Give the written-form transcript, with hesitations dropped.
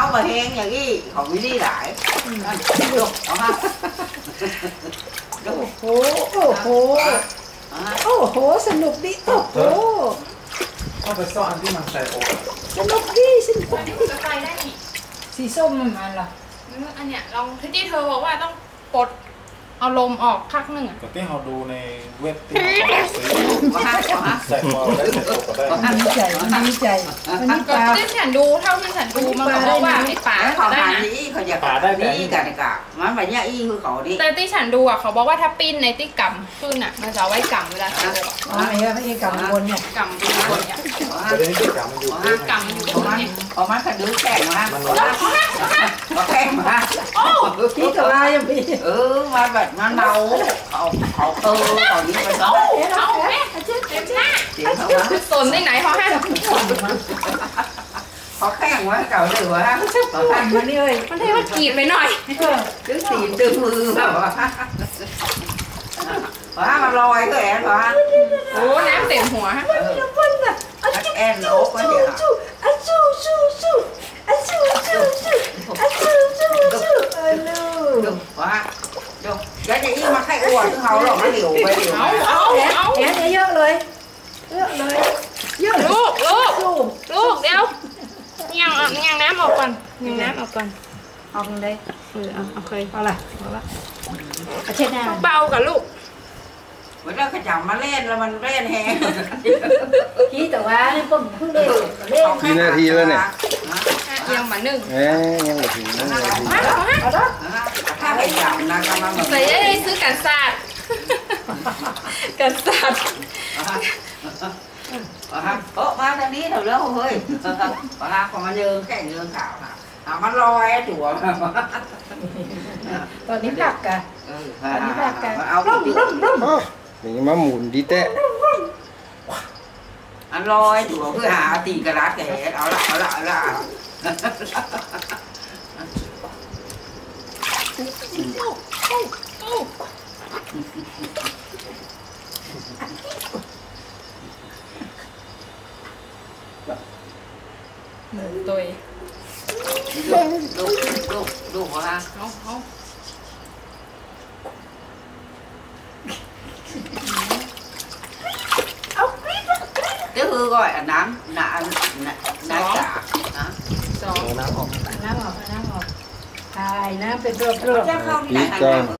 mà hèn nhà đi họ mới đi lại được đó ha โอ้โหโอ้โหโอ้โหสนุกดิโอ้โหเอาไปซ่อนที่มันใส่โอ๊ตสนุกดิสนุกอันนี้ดิจะไปได้นี่สีส้มมันเหรออันเนี้ยลองที่เธอบอกว่าต้องปลดเอาลมออกพักหนึ่งอ่ะแต่ที่เราดูในเว็บที่เราซื้อใส่คอได้ใส่โอ๊ตก็ได้ดีใจดีใจวันนี้ปก็ลาที่ฉันดูเท่าที่ฉันดูมันก็บอกว่าไอ้ป่าเขาได้หานะนี้เขาอยากนี่กันกะมันแบบเนี้ยอีคือเขาดิแต่ที่ฉันดูอ่ะเขาบอกว่าถ้าปิ้นในที่กำขึ้นอ่ะมันจะเอาไว้กำเวลาฉันเลยอ๋อไอ้เหี้ยกับวนเนี่ยกำดูคนเนี่ยประเด็นที่กลับมันอยู่ที่กำอยู่ตเขารงมันนี้เขามันขัดดื้อแข่งมาเขาแข่งมาพี่กับลายังพี่มาแบบมันเมาเขาเขานี้ไปเขาเอาแม่เต็มหน้าเสียเขาว่าสนที่ไหนเขาให้เขาแข่งว่าเก่าหรือว่าเขาปั่นมานี่เลยมันเทว่ากีบไปหน่อยดื้อตีนดื้อมือแบบว่ามันลอยก็แอนว่าโอ้น้ำเต็มหัวฮะปั่นอ่ะแอนโอ๊กก็เดี๋ยวชูอะชูชูชูอะชูชูชูอะชูชูชูลูกว่าดูแล้วจะยิ่งมาให้อ้วนเขาหรอกมันเหลวไปเหลวแอนเยอะเลยเยอะเลยเยอะลูกลูกลูกเดี๋ยวยังน้ำออกก่อนยังน้ำออกก่อนออกเลยโอเคเอาละเช็ดหน้าเบากับลูกเวลาขจับมาเล่นแล้วมันเล่นแฮงพี่แต่ว่านี่ผมเพิ่งเล่นกี่นาทีแล้วเนี่ยยังมาหนึ่งยังไม่ถึงนะมาแล้วฮะเอาละถ้าขจับนะก็มาแบบใส่ได้ซื้อกันศาสตร์กันศาสตร์มาทางนี้เถอะแล้วเฮ้ยว่าพอมันเยิงแข่งเยิงข่าวค่ะมันลอยจั่วตอนนี้ผักกะเอาร่มร่มร่มนี่มาหมุนดีแตะอันลอยจั่วเพื่อหาตีกระดาษแกเอาละตัวดูว่าเอา cái hư gọi là nám nạ cả สองน้ำออกน้ำออกน้ำออกตายน้ำเป็นรอบ chắc không นี่ lại ก็ thành